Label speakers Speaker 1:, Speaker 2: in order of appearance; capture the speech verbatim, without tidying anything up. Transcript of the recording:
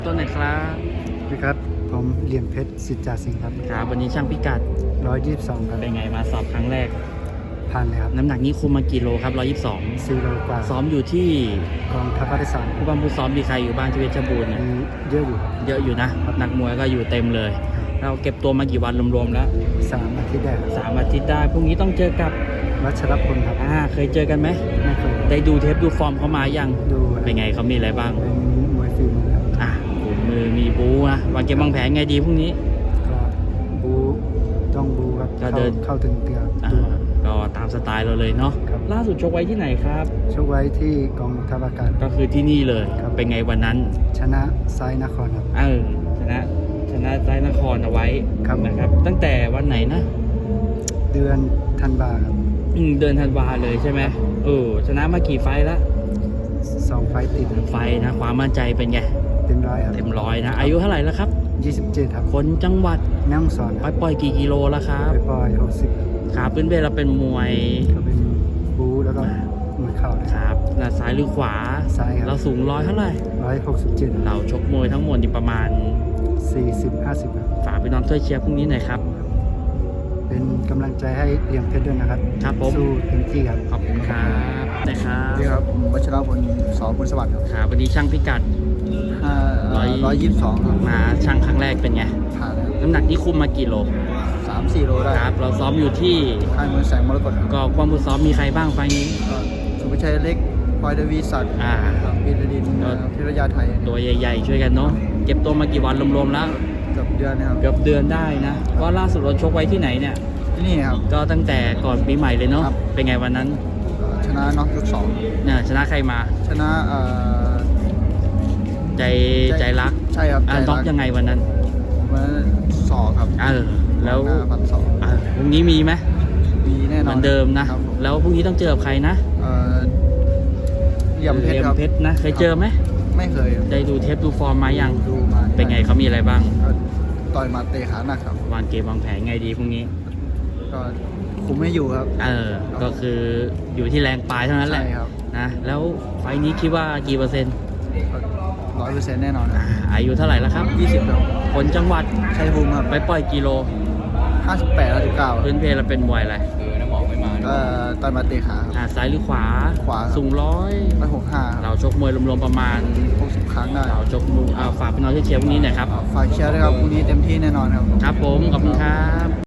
Speaker 1: ต้นไหนครับ
Speaker 2: สวัสดีครับผมเหลี่ยมเพชรสิทธิ์จ่าสิงห์ครับ
Speaker 1: ครับวันนี้ช่างพิกัด
Speaker 2: ร้อยยี่สิบสองครับ
Speaker 1: เป็นไงมาสอบครั้งแรก
Speaker 2: ผ่านเลยครับ
Speaker 1: น้ำหนักนี้คุมมากี่โลครับร้อยยี่สิบสอง
Speaker 2: สี่โลกว่า
Speaker 1: ซ้อมอยู่ที่
Speaker 2: กองทัพภาคที่สาม
Speaker 1: ผู้บังคับซ้อมมีใครอยู่บ้างที่เพชรบูรณ์เนี่ย
Speaker 2: มีเยอะอยู่ครับ
Speaker 1: เยอะอยู่นะนักมวยก็อยู่เต็มเลย เราเก็บตัวมากี่วันรวมๆแล้ว
Speaker 2: สามอาทิตย์ได้ครับ
Speaker 1: สามอาทิตย์ได้พรุ่งนี้ต้องเจอกับ
Speaker 2: วัชรพลครับ
Speaker 1: อ่าเคยเจอกันไหม
Speaker 2: ไม่เคย
Speaker 1: ได้ดูเทปดูฟอร์มเขามายัง
Speaker 2: ดู
Speaker 1: เป็นไงเขามีอะไรบ้าง
Speaker 2: เป็นมวยฝีมือครับ
Speaker 1: อ่าขุนมือมีบูนะวางเกมวางแผนไงดีพรุ่งนี้
Speaker 2: ก็บูต้องบูครับ
Speaker 1: ก็
Speaker 2: เข้า
Speaker 1: เดิน
Speaker 2: เข้าถึงเตีย
Speaker 1: อ่า
Speaker 2: ตัว
Speaker 1: ก็ตามสไตล์เราเลยเนาะ
Speaker 2: ครับ
Speaker 1: ล่าสุดชกไว้ที่ไหนครับ
Speaker 2: ชกไว้ที่กองทัพอากาศ
Speaker 1: ก็คือที่นี่เลย
Speaker 2: ครับ
Speaker 1: เป็นไงวันนั้น
Speaker 2: ชนะไซนครครับ
Speaker 1: เออชนะชนะใจนครเอาไว้
Speaker 2: ครับ
Speaker 1: นะครับ ตั้งแต่วันไหนนะ
Speaker 2: เดือนธันวาครับ
Speaker 1: อืมเดือนธันวาเลยใช่ไหมเออชนะมากี่ไฟล์ละ
Speaker 2: สองไฟต์ติดครับ
Speaker 1: ไฟล์นะความมั่นใจเป็นไง
Speaker 2: เต็มร้อยครับ
Speaker 1: เต็มร้อยนะอายุเท่าไหร่แล้วครับ
Speaker 2: ยี่สิบเจ็ดครับ
Speaker 1: คนจังหวัด
Speaker 2: แม่ฮ่องสอน
Speaker 1: ป
Speaker 2: ค
Speaker 1: ล่
Speaker 2: รั
Speaker 1: อบ ยปล่อยกี่กิโลแล้วครับ
Speaker 2: ไปปล่อยหกสิบ
Speaker 1: ขาพื้นเบเราเป็นมวย
Speaker 2: ก็เป็นบูแล้วก็มวยเข่านะ
Speaker 1: ค
Speaker 2: ครับ
Speaker 1: รับหน้าซ้ายหรือขวา
Speaker 2: ซ้ายครับ
Speaker 1: เราสูงร้อยเท่าไหร่
Speaker 2: ร้อยหกสิบเจ็ด
Speaker 1: เราชกมวยทั้งหมดนี่ประมาณ
Speaker 2: สี่สิบห้าสิบครับ
Speaker 1: ฝากไปน้องช่วยเชียร์พรุ่งนี้หน่อยครับ
Speaker 2: เป็นกำลังใจให้เหลี่ยมเพชรด้วยนะครับ
Speaker 1: ครับผม
Speaker 2: สู้เต็มที่ครับ
Speaker 1: ขอบคุณครับนะครับ
Speaker 3: นี่ครับวัชรพลสอนพลสวัสดิ์ครับ
Speaker 1: ครับวันนี้ช่างพิกัด
Speaker 3: ห้า
Speaker 1: ร้อย
Speaker 3: ร้อยยี่สิบสองครับ
Speaker 1: มาช่างครั้งแรกเป็นไง
Speaker 3: ผ่านครับ
Speaker 1: น้ำหนักที่คุมมากี่โล
Speaker 3: สามสี่โลได้
Speaker 1: ครับเราซ้อมอยู่ที่
Speaker 3: ค่ายมวยแสงมรกตครับ
Speaker 1: ก็ความมือซ้อมมีใครบ้างไฟล์นี้
Speaker 3: ก็สุภชัยเล็กพลอยเดวีศักดิ์
Speaker 1: อ่า
Speaker 3: ครับบินดิน
Speaker 1: ก็
Speaker 3: พิรยาไทย
Speaker 1: ตัวใหญ่ๆช่วยกันเนาะเก็บตัวมากี่วันรวมๆแล้ว
Speaker 3: เกือบเดือนนะครับ
Speaker 1: เกือบเดือนได้นะว่าล่าสุดเราชกไว้ที่ไหนเนี่ย
Speaker 3: ที่นี่ครับ
Speaker 1: ก็ตั้งแต่ก่อนปีใหม่เลยเนาะ
Speaker 3: ครับ
Speaker 1: เป็นไงวันนั้น
Speaker 3: ก็ชนะน็อกยกสอง
Speaker 1: เนี่ยชนะใครมา
Speaker 3: ชนะเอ่อ
Speaker 1: ใจใจรัก
Speaker 3: ใช่ครับ
Speaker 1: อ่า
Speaker 3: ใจ
Speaker 1: น็อกยังไงวันนั้น
Speaker 3: วันนั้นสอกครับ
Speaker 1: เออแล้ว
Speaker 3: หน้าพันสอง
Speaker 1: อ่าพรุ่งนี้มีไหม
Speaker 3: มีแน่
Speaker 1: เห
Speaker 3: นอ
Speaker 1: มื
Speaker 3: น
Speaker 1: อนเดิมนะ
Speaker 3: ครับผม
Speaker 1: แล้วพรุ่งนี้ต้องเจอกับใครนะ
Speaker 3: เอ่อเหลี่ยมเพชรครับ
Speaker 1: เพชรนะเคยเจอไหม
Speaker 3: ไม่เคยครับ
Speaker 1: ได้ดูเทปดูฟอร์มมายัง
Speaker 3: ดูมา
Speaker 1: เป็นไงเขามีอะไรบ้าง
Speaker 3: ก็ต่อยหมาเตะขาหนักครับ
Speaker 1: วางเกมวางแผนไงดีพรุ่งนี้
Speaker 3: ก็คุมไม่อยู่ครับ
Speaker 1: เออ ก็คืออยู่ที่แรงปลายเท่านั้นแหละ
Speaker 3: ใช่ครับ
Speaker 1: นะ แล้วไฟล์นี้คิดว่ากี่เปอร์เซ็นต์
Speaker 3: ร้อยเปอร์เซ็นต์แน่นอนค
Speaker 1: อ่า
Speaker 3: รับ
Speaker 1: อายุเท่าไหร่แล้วครับ
Speaker 3: ยี่สิบครับ
Speaker 1: คนจังหวัด
Speaker 3: ชัยภูมิครับ
Speaker 1: ไปปล่อยกิโล
Speaker 3: ห้าสิบแปดห้าสิบเก้า
Speaker 1: พื้นเพเราเป็นมวยอะไร
Speaker 3: เอ่อต่อยหมาเตะขาครับ
Speaker 1: อ่าซ้ายหรือขวา
Speaker 3: ขวาครับ
Speaker 1: สูงร้อย
Speaker 3: ร้อยหกห้า
Speaker 1: เราชกมวยรวมๆประมาณ
Speaker 3: หกสิบครั้งได้
Speaker 1: เราชกมวยอ่าฝากพี่น้องที่เชียร์พรุ่งนี้หน่อยครับ
Speaker 3: ฝากเชียร์ด้วยครับพรุ่งนี้เต็มที่แน่นอนครับ
Speaker 1: ครับผม ขอบคุณครับ